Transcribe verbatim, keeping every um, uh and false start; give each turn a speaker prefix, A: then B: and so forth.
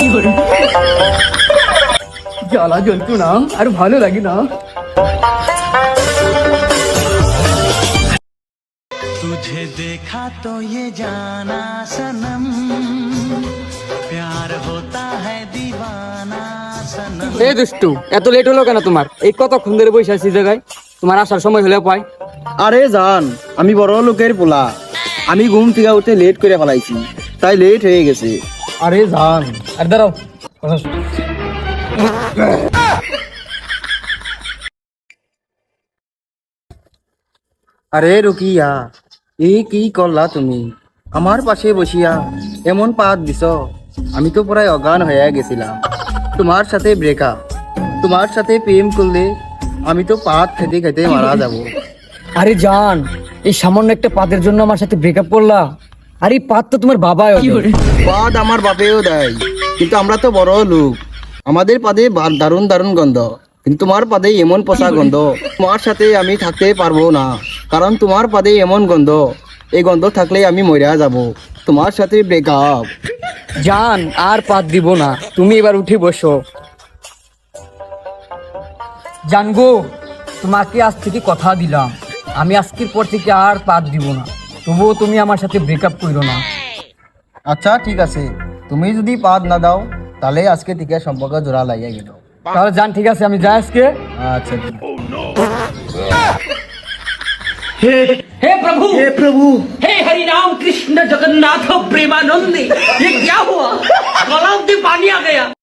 A: জ্বালা জ্বলতো না আর ভালো লাগে না।
B: तुझे देखा तो ये जाना सनम प्यार होता है दीवाना सनम।
A: এই দুষ্টু, এত লেট হলো কেন তোমার? এই কতক্ষণ ধরে বসে আছি জায়গায়, তোমার আসার সময় হলে পাই।
C: আরে জান, আমি বড় লোকের পোলা, আমি ঘুম থেকে উঠে লেট করে ফেলাইছি, তাই লেট হয়ে গেছে। আরে জান,
A: আর দাঁড়াও,
C: আরে রুকিয়া, এই কি করলা তুমি? আমার পাশে বসিয়া এমন পাত দিছ, আমি তো প্রায় অজ্ঞান হয়ে গেছিলাম। তোমার সাথে ব্রেকআপ, তোমার সাথে প্রেম করলে আমি তো পাত খেতে খেতে মারা যাব।
A: আরে জান, এই সামান্য একটা পাতের জন্য আমার সাথে ব্রেকআপ করলা? আর এই পাত তো তোমার বাবাই।
C: পাদ আমার বাপেও দেয়, কিন্তু আমরা তো বড় লোক, আমাদের পাদে বা- দারুণ দারুণ গন্ধ, কিন্তু তোমার পাদে এমন পচা গন্ধ। তোমার সাথে আমি থাকতে পারবো না, কারণ তোমার পাদে এমন গন্ধ, এই গন্ধ থাকলে আমি মরিয়া যাব। তোমার সাথে ব্রেকআপ।
A: জান, আর পাত দিব না, তুমি এবার উঠে বসো। জানগো, তোমাকে আজ থেকে কথা দিলাম, আমি আজকের পর থেকে আর পাত দিব না, তবুও তুমি আমার সাথে ব্রেকআপ করো না।
C: আচ্ছা ঠিক আছে, তুমি যদি পাদ না দাও তাহলে আজকে থেকে সম্পর্ক জোড়া লাগিয়ে গেল।
A: তাহলে জান, ঠিক আছে, আমি যাই আজকে।
C: আচ্ছা ঠিক আছে।
D: हे प्रभु हे प्रभु हे हरि राम कृष्ण जगन्नाथ प्रेमानंद, ये क्या हुआ? गलाव में पानी आ गया।